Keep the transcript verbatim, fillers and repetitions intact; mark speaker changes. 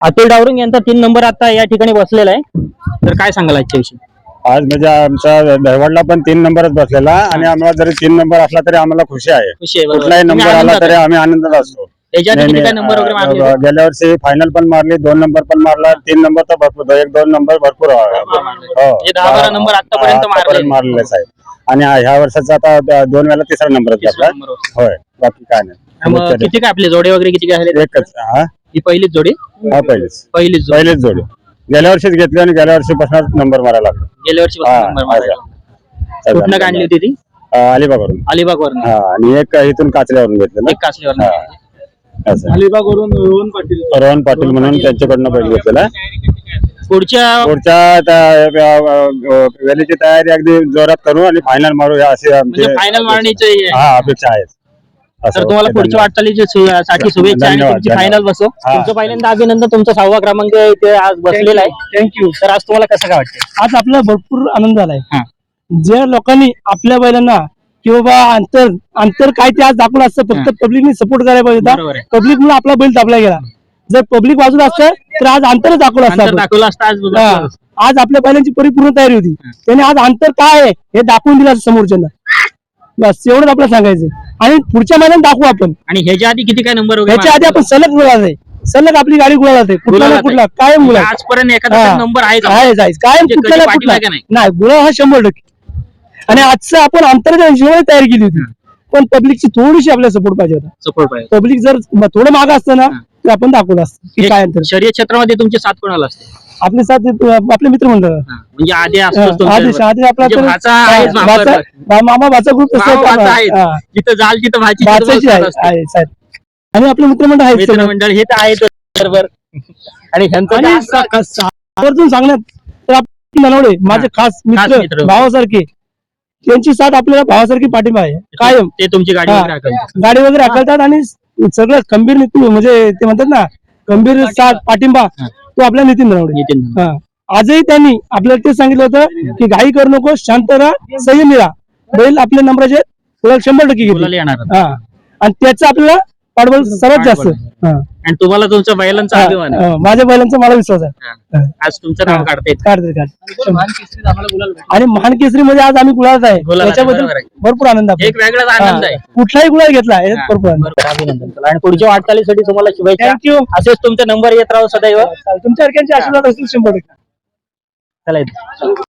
Speaker 1: अतुल डावरुंग यांचा तीन नंबर आता या ठिकाणी बसलेला आहे, तर काय सांगाल आजच्या विषयी?
Speaker 2: आज म्हणजे आमचा दहवडला पण तीन नंबरच बसलेला आणि आम्हाला जरी तीन नंबर असला तरी आम्हाला खुशी आहे.
Speaker 1: खुशी आहे, बरोबर.
Speaker 2: कुठलाही
Speaker 1: तुम्ही
Speaker 2: नंबर आला
Speaker 1: आनंदात
Speaker 2: तरी
Speaker 1: आहे.
Speaker 2: आम्ही आनंदात असतो.
Speaker 1: याच्या आधी
Speaker 2: नाही,
Speaker 1: किती काय
Speaker 2: नाही,
Speaker 1: नंबर वगैरे मारले
Speaker 2: अं,
Speaker 1: होते?
Speaker 2: गेल्या वर्षी फायनल पण मारली, दोन नंबर पण मारला, तीन नंबर तर भरपूर, एक दोन नंबर भरपूर आहे.
Speaker 1: भरपूर मारले.
Speaker 2: हो.
Speaker 1: म्हणजे दहा बारा नंबर आतापर्यंत मारले.
Speaker 2: आतापर्यंत मारलेलेच आहे. आणि ह्या वर्षाचा आता द- दोन वेळा तिसरा नंबर
Speaker 1: तिसरा
Speaker 2: घेतला.
Speaker 1: नंबर होता.
Speaker 2: होय, बाकी काय नाही.
Speaker 1: मग किती काय आपले जोडे वगैरे किती काय झाले?
Speaker 2: एकच हा
Speaker 1: ही पहिलीच जोडी
Speaker 2: हा पहिलेच
Speaker 1: पहिलीच जोडी
Speaker 2: पहिलेच जोडी गेल्या वर्षीच घेतली आणि गेल्या वर्षीपासून नंबर मारायला लागला.
Speaker 1: गेल्या वर्षी
Speaker 2: हा,
Speaker 1: नंबर मारला.
Speaker 2: असं.
Speaker 1: कुठनं का आणली होती ती?
Speaker 2: अं, अलिबागवरून.
Speaker 1: अलिबाग वरून.
Speaker 2: हा आणि एक इथून काचल्यावरून घेतलं
Speaker 1: एक कासलीवर.
Speaker 2: असं.
Speaker 1: अलिबागवरून रोहन पाटील.
Speaker 2: रोहन पाटील म्हणून त्यांच्याकडनं बैल घेतलेला.
Speaker 1: पुढच्या
Speaker 2: पुढच्या त्या- अं, वेळेची तयारी अगदी जोरात करू आणि फायनल मारू या अशी आमची
Speaker 1: म्हणजे फायनल मारण्याची
Speaker 2: हा अपेक्षा आहे.
Speaker 1: तर तुम्हाला पुढच्या वाटचालीची सु- साठी शुभेच्छा आणि
Speaker 2: धन्यवाद,
Speaker 1: तुमची
Speaker 2: धन्यवाद.
Speaker 1: फायनल बसो.
Speaker 2: हा.
Speaker 1: तुमचं पहिल्यांदा अभिनंदन, तुमचा सहावा क्रमांक इथे आज बसलेला आहे. थँक्यू. तर आज तुम्हाला कसं काय वाटतं?
Speaker 3: आज आपल्याला भरपूर आनंद झालाय.
Speaker 1: हा.
Speaker 3: ज्या लोकांनी आपल्या बैलांना की बाबा अंतर अंतर काय ते आज दाखवलं असतं, फक्त पब्लिकने सपोर्ट करायला पाहिजे
Speaker 1: बरोबर
Speaker 3: होता.
Speaker 1: आहे.
Speaker 3: पब्लिक म्हणून आपला बैल दाबला गेला. जर पब्लिक बाजूला असतं तर आज अंतर दाखवलं असतं
Speaker 1: अंतर
Speaker 3: आपण.
Speaker 1: दाखवलं असतं आज बघा.
Speaker 3: हा. आज आपल्या बैलांची परिपूर्ण तयारी होती. त्याने आज अंतर काय आहे हे दाखवून दिलं असतं समोरच्यांना. बस एवढंच आपल्याला सांगायचं आणि पुढच्या महिन्यात दाखवू आपण.
Speaker 1: आणि ह्याच्या आधी किती काय नंबर वगैरे
Speaker 3: ह्याच्या आधी आपण सलग गुलाल आहे, सलग आपली गाडी गुलाल आहे, कुठला ना
Speaker 1: गुलालात
Speaker 3: कुठला
Speaker 1: आहे.
Speaker 3: कायम गुलाल.
Speaker 1: आजपर्यंत एखादा
Speaker 3: हा.
Speaker 1: नंबर आहे
Speaker 3: आहे जायचं कायम
Speaker 1: म्हणजे
Speaker 3: कुठला
Speaker 1: कधी
Speaker 3: ना कुठला
Speaker 1: पाठीमागे नाही.
Speaker 3: नाही गुलाल हा शंभर टक्के. आणि आजचं आपण अंतराच्या हिशोबाने तयारी केली होती, पण पब्लिकची थोडीशी आपल्याला सपोर्ट पाहिजे होता.
Speaker 1: सपोर्ट पाहिजे.
Speaker 3: पब्लिक जर म- थोडं मागं असतं ना तर आपण दाखवलं असतं की काय अंतर.
Speaker 1: शर्यत क्षेत्रामध्ये तुमचे साथ कोणाला असते?
Speaker 3: आपले साथ आपले मित्र मंडळ
Speaker 1: हा. म्हणजे आधी असतोच
Speaker 3: आदेश
Speaker 1: तुमच्याबरोबर.
Speaker 3: आधी आपला
Speaker 1: म्हणजे
Speaker 3: तर-
Speaker 1: भाचा आहेच
Speaker 3: हा,
Speaker 1: भाचा.
Speaker 3: भाचा- भा- मामा भाचा ग्रुप
Speaker 1: भाव भाचा आहेच. जिथं जाल तिथं भाची
Speaker 3: भाचाची आहे आहे, साहेब. आणि आपले मित्रमंडळ आहेत सगळे.
Speaker 1: मित्रमंडळ हे तर आहेत बरोबर. आणि ह्यांचं
Speaker 3: आणि
Speaker 1: तर
Speaker 3: सा- का- सा- आवर्जून सांगण्यात तर आपण मनवडे माझे खास
Speaker 1: मित्र.
Speaker 3: मित्र भावासारखे, त्यांची साथ आपल्याला भावासारखी पाठिंबा आहे कायम.
Speaker 1: ते तुमची गाडी
Speaker 3: हा.
Speaker 1: वगैरे हाकलतात.
Speaker 3: गाडी वगैरे हाकलतात आणि सगळं खंबीर नीती म्हणजे ते म्हणतात ना खंबीर साथ पाठिंबा तो आपल्या नितीन नरवडे.
Speaker 1: नितीन.
Speaker 3: हा. आजही त्यांनी आपल्याला ते सांगितलं होतं की घाई करू नको, शांत राहा, संयमी राहा. बैल आपल्या नंबराचे तुला शंभर टक्के
Speaker 1: मुलाला
Speaker 3: घेतले.
Speaker 1: येणार.
Speaker 3: हा. आणि त्याचं आपल्याला पाठबळ सर्वात जास्त. हा.
Speaker 1: आणि तुम्हाला तुमच्या बैलांचा अभिमान आहे.
Speaker 3: हा. माझ्या बैलांचा मला विश्वास आहे.
Speaker 1: हा. आज तुमचं नाव काढते.
Speaker 3: काढते काढते आणि महान केसरी मध्ये आज आम्ही गुलाल आहे,
Speaker 1: गुलाल आहे,
Speaker 3: त्याच्याबद्दल
Speaker 1: बरोबर आहे.
Speaker 3: भरपूर आनंद आहे.
Speaker 1: एक वेगळाच आनंद आहे.
Speaker 3: कुठलाही गुलाल घेतला याच्यात भरपूर आनंद.
Speaker 1: बरोबर, अभिनंदन. चला, आणि पुढच्या वाटचालीसाठी तुम्हाला शुभेच्छा.
Speaker 3: थँक्यू.
Speaker 1: असेच तुमचे नंबर येत राहू सदैव.
Speaker 3: तुमच्या सारख्यांचे आशीर्वाद असतील शंभर टक्के.
Speaker 1: चला इथं.